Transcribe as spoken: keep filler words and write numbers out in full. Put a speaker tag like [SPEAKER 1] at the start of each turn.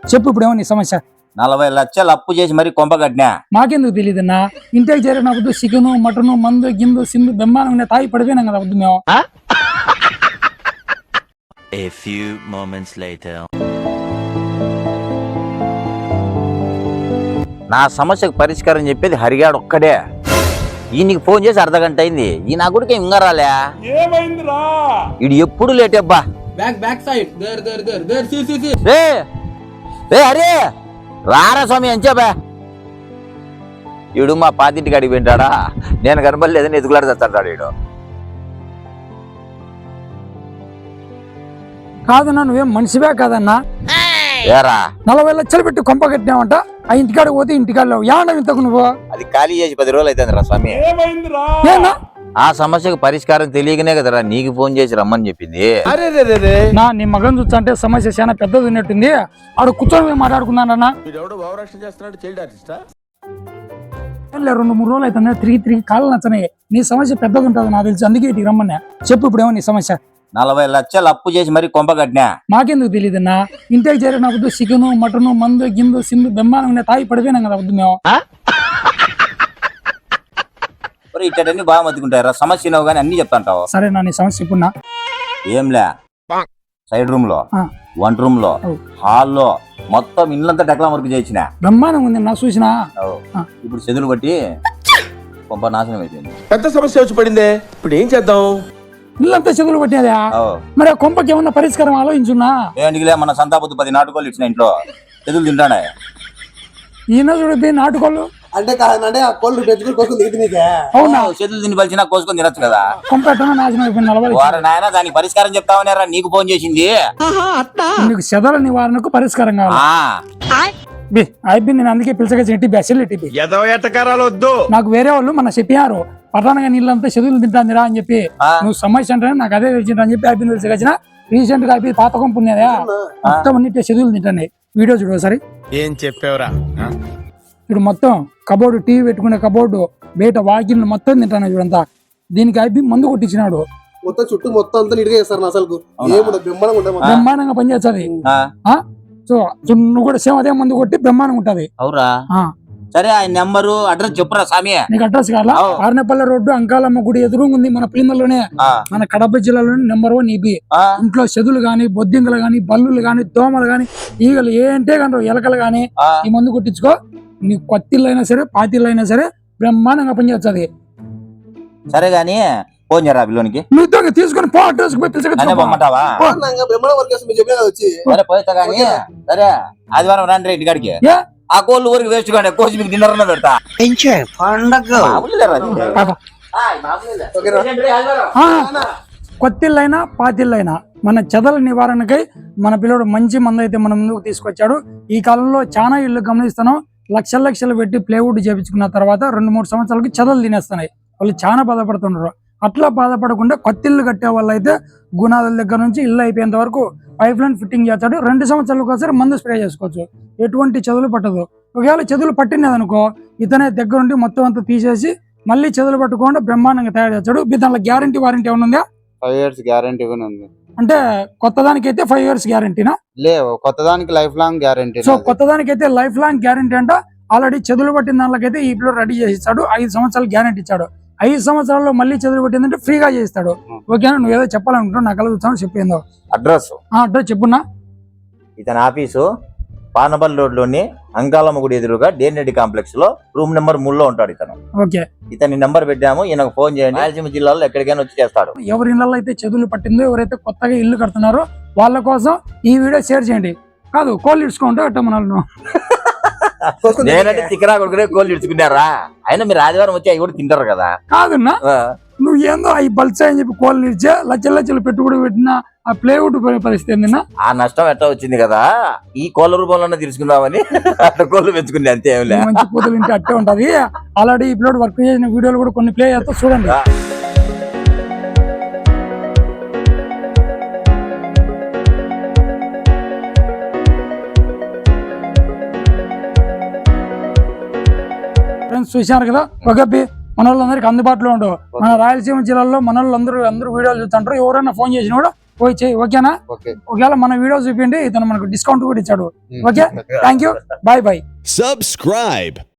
[SPEAKER 1] చెప్పు ఇప్పుడు ఏమో నీ సమస్య.
[SPEAKER 2] నలభై లక్షలు అప్పు చేసి మరి కొంప కట్టినా.
[SPEAKER 1] మాకెందుకు తెలియదన్నా, ఇంటికి చేరినప్పుడు చికెను మటను మందు గిందు సింధు బెమ్మానం తాగి పడిపోయినాం కదా వద్దు మేము.
[SPEAKER 3] A few moments later.
[SPEAKER 2] నా సమస్యకు పరిష్కారం చెప్పేది హరిగాడు ఒక్కడే. ఈయనకి ఫోన్ చేసి అర్ధ గంట అయింది, ఈ నా గుడికి ఇంకా రాలే.
[SPEAKER 4] ఏమైందిరా?
[SPEAKER 2] ఇది ఎప్పుడు లేట్ అబ్బా.
[SPEAKER 5] Back back side there there there there see see see
[SPEAKER 2] రే రే హరి రారా స్వామి అని చెప్పా. ఈడు మా పాతింటికి అడిగి వింటాడా, నేను కనపడలేదని ఎదుగులాడు తెస్తాడు ఈడు.
[SPEAKER 1] కాదన్నా, నువ్వేం మనిషివే కాదన్నా.
[SPEAKER 2] ఏరా
[SPEAKER 1] నలభై లక్షలు పెట్టి కొంప కట్టినావంట, ఆ ఇంటికాడికి పోతే ఇంటికాడలో ఏమన్నా ఇంతకు నువ్వు
[SPEAKER 2] అది ఖాళీ చేసి పది రోజులు అవుతుంది రా స్వామి.
[SPEAKER 4] ఏమైందిరా?
[SPEAKER 1] ఏనా
[SPEAKER 2] ఆ సమస్యకు పరిష్కారం తెలియకనే కదరా నీకు ఫోన్ చేసి రమ్మని చెప్పింది.
[SPEAKER 1] నా నీ మగన్ చూస్తా అంటే సమస్య చాలా పెద్దది ఉన్నట్టుంది. ఆడు కూర్చొని మాట్లాడుకున్నానన్నా. రెండు మూడు రోజులు అవుతుంది తిరిగి తిరిగి కాళ్ళు నచ్చనాయి. నీ సమస్య పెద్దగా ఉంటుంది నాకు తెలిసి, అందుకే ఇటు రమ్మన్నా. చెప్పు ఇప్పుడు ఏమో నీ సమస్య.
[SPEAKER 2] నలభై లక్షలు అప్పు చేసి మరి కొంప కట్టినా.
[SPEAKER 1] మాకెందుకు తెలియదన్నా, ఇంటికి చేరినప్పుడు చికెను మటను మందు గిందు సింధు బెమ్మానం తాగి పడిపోయినాం కదా వద్దు మేము.
[SPEAKER 2] ఇట్టన్నీ బాగా మతుకుంటారా, సమస్య నువ్వు కానీ అన్ని చెప్తాంటావు.
[SPEAKER 1] సరే నా నీ సమస్య చెప్పున్నా.
[SPEAKER 2] ఏంలే, సైడ్ రూమ్ లో వంట రూమ్ లో హాల్లో మొత్తం ఇల్లంతా డెక్లా వర్క్ చేయించిన.
[SPEAKER 1] బ్రహ్మాండం ఉంది నా చూసినా.
[SPEAKER 2] ఇప్పుడు చెదులు బట్టి కొంప నాశనం అయిపోయింది.
[SPEAKER 4] పెద్ద సమస్య వచ్చి పడిందే, ఇప్పుడు ఏం చేద్దాం?
[SPEAKER 1] ఇల్లంతా చెదులు పట్టినదా? మరి ఆ కొంపకి ఏమన్నా పరిష్కారం ఆలోచించున్నా?
[SPEAKER 2] ఏంటిలే, మన సంతాపొద్దు పది నాటుకోళ్ళు ఇచ్చిన ఇంట్లో చెదులు తింటానే.
[SPEAKER 1] ఈయన చూడద్ది నాటుకోళ్ళు
[SPEAKER 5] అంటే కాదంటే ఆ కోళ్ళు పెంచుకుని కోసం దిగుతున్నీకే.
[SPEAKER 1] అవునా?
[SPEAKER 2] చెదులు తిని పలిచినా కోసుకొని తినొచ్చు కదా.
[SPEAKER 1] కొంప ఎట్టనా నాశనం అయిపోయింది. నలభై
[SPEAKER 2] వారు నాయన దానికి పరిష్కారం చెప్తామనేరా నీకు ఫోన్ చేసింది.
[SPEAKER 1] నీకు చెదల నివారణకు పరిష్కారం కావాలి.
[SPEAKER 2] ఆ
[SPEAKER 1] అయిపోయింది, నేను అందుకే పిలిచగా చెట్టి బెసలు ఎట్టి నాకు వేరే వాళ్ళు మన చెప్పారు, పటానగా నీళ్ళంతా చెదులు తింటాందిరా అని చెప్పి. నువ్వు సమస్య అంటే నాకు అదే తెలిసింది అని చెప్పి అయిపోయింది తెలిసికొచ్చిన. రీసెంట్ గా అయిపోయి పాత కొంపు ఉన్నదా మొత్తం అన్నిటి చెదులు తింటాయి. వీడియో చూడు ఒకసారి.
[SPEAKER 4] ఏం చెప్పావురా?
[SPEAKER 1] ఇప్పుడు మొత్తం కబోర్డు, టీవీ పెట్టుకునే కబోర్డు, బయట వాకిల్ మొత్తం తింటాను చూడంతా. దీనికి అయిపోయి మందు కొట్టించినాడు.
[SPEAKER 5] మొత్తం చుట్టూ మొత్తం అంతా నీట్గా చేస్తారు అసలు.
[SPEAKER 1] బ్రహ్మాండంగా పనిచేస్తుంది. సో నువ్వు కూడా సేమ్ అదే మందు కొట్టి బ్రహ్మాండంగా ఉంటది.
[SPEAKER 2] అవురా? సరే, ఆయన నెంబరు అడ్రస్ చెప్పురా స్వామి.
[SPEAKER 1] నీకు అడ్రస్ కావాలా? ఆర్నపల్లి రోడ్డు అంకాలమ్మ గుడి ఎదురుగా ఉంది మన పిల్లల్లోనే, మన కడప జిల్లాలోనే నెంబర్ వన్ ఇది. ఇంట్లో చెదులు గాని, బొద్దింకలు గాని, బల్లులు గాని, దోమలు గాని, ఈగలు ఏంటే కానీ ఎలకలు గాని ఈ మందు కొట్టించుకో. నీ కొత్తిల్లు అయినా సరే పాతిల్లు అయినా సరే బ్రహ్మాండంగా పనిచేస్తుంది.
[SPEAKER 2] సరే గాని ఫోన్ చేయరా పిల్లోనికి.
[SPEAKER 1] నువ్వు తీసుకొని పో, అడ్రస్
[SPEAKER 2] పొమ్మంటావా? సరే పోతా గానీ. సరే ఆదివారం రండి ఇంటికాడికి. ఆ కోళ్ళు ఊరికి వేస్ట్ కానీ కోసి మీకు డిన్నర్ అన్న పెడతా.
[SPEAKER 1] కొత్తిళ్ళైనా పాతిళ్ళైనా మన చెదల నివారణకై మన పిల్లడు మంచి మందు అయితే మన ముందుకు తీసుకొచ్చాడు. ఈ కాలంలో చాలా ఇళ్ళు గమనిస్తున్నాం, లక్షల లక్షలు పెట్టి ప్లేవుడ్ చేపించుకున్న తర్వాత రెండు మూడు సంవత్సరాలకి చెదలు తినేస్తున్నాయి. వాళ్ళు చాలా బాధపడుతున్నారు. అట్లా బాధపడకుండా కొత్తిల్లు కట్టే వాళ్ళు అయితే గుణాల దగ్గర నుంచి ఇల్లు అయిపోయేంత వరకు పైప్ లైన్ ఫిట్టింగ్ చేస్తాడు. రెండు సంవత్సరాలకు ఒకసారి మందు స్ప్రే చేసుకోవచ్చు, ఎటువంటి చెదులు పట్టదు. ఒకవేళ చెదులు పట్టినది అనుకో, ఇతనే దగ్గరుండి మొత్తం అంతా తీసేసి మళ్ళీ చెదులు పట్టుకోకుండా బ్రహ్మాండంగా తయారు చేస్తాడు. దాంట్లో గ్యారంటీ వారంటీ ఏమైనా ఉందా?
[SPEAKER 6] ఫైవ్ ఇయర్స్ గ్యారంటీ ఉంది.
[SPEAKER 1] అంటే కొత్త దానికి అయితే ఫైవ్ ఇయర్స్ గ్యారంటీనా?
[SPEAKER 6] లేవు, కొత్త దానికి లైఫ్ లాంగ్ గ్యారంటీ.
[SPEAKER 1] సో కొత్త దానికి అయితే లైఫ్ లాంగ్ గ్యారంటీ అంట. ఆల్రెడీ చెదులు పట్టిన దానికైతే ఈ పిల్లలు రెడీ చేసి ఇస్తాడు. ఐదు సంవత్సరాలు గ్యారంటీ ఇచ్చాడు. ఐదు సంవత్సరాల్లో మళ్ళీ చెదులు పట్టిందంటే ఫ్రీగా చేస్తాడు. ఓకేనా? నువ్వు ఏదో చెప్పాలనుకుంటున్నావు, నాకు చూస్తాను చెప్పిందో.
[SPEAKER 2] అడ్రస్
[SPEAKER 1] అడ్రస్ చెప్పున్నా.
[SPEAKER 2] ఇతని ఆఫీసు పానపల్లి రోడ్ లోని అంకాలమ్మ గుడి ఎదురుగా డేనెడ్డి కాంప్లెక్స్ లో రూమ్ నెంబర్ మూడు లో ఉంటాడు ఇతను.
[SPEAKER 1] ఓకే,
[SPEAKER 2] ఇతని నెంబర్ పెట్టాము, ఈయనకు ఫోన్ చేయండి. రాయలసీమ జిల్లాలో ఎక్కడికైనా వచ్చి చేస్తాడు.
[SPEAKER 1] ఎవరి ఇళ్ళలో అయితే చెదులు పట్టిందో, ఎవరైతే కొత్తగా ఇల్లు కడుతున్నారో వాళ్ళ కోసం ఈ వీడియో షేర్ చేయండి. కాదు కోళ్ళు ఇడ్చుకుంటే అట్ట మనల్ని
[SPEAKER 2] నేనంటే చికెరా కొడుకునే కోళ్ళు ఇడ్చుకున్నారా? అయినా మీరు ఆదివారం వచ్చి అవి కూడా తింటారు కదా.
[SPEAKER 1] కాదన్నా, నువ్వు ఏందో అవి బల్సా అని చెప్పి కోళ్ళు ఇడ్చే లచ్చలు లచ్చలు పెట్టుబడి పెట్టిన ఆ ప్లేవుడ్ పరిస్థితి ఏందినా?
[SPEAKER 2] ఆ నష్టం ఎట్లా వచ్చింది కదా, ఈ కోళ్ళ రూపంలోనే తీసుకుందామని అట్లా కోళ్ళు పెంచుకుంది అంతే.
[SPEAKER 1] మంచి పూతలు ఇంటి అట్టే ఉంటది. ఆల్రెడీ ఈ పిల్లడు వర్క్ చేసిన వీడియోలు కూడా కొన్ని ప్లే చేస్తా చూడండి. చూశారు కదా, ఒక మన వాళ్ళందరికి అందుబాటులో ఉండవు. మన రాయలసీమ జిల్లాలో మన వాళ్ళందరూ అందరూ వీడియోలు చూస్తుంటారు. ఎవరైనా ఫోన్ చేసినా కూడా పోయి చేయి, ఓకేనా?
[SPEAKER 6] ఓకే.
[SPEAKER 1] ఒకవేళ మన వీడియో చూపిండి, ఇతను మనకు డిస్కౌంట్ కూడా ఇచ్చాడు. Okay, thank you, bye bye.
[SPEAKER 7] Subscribe.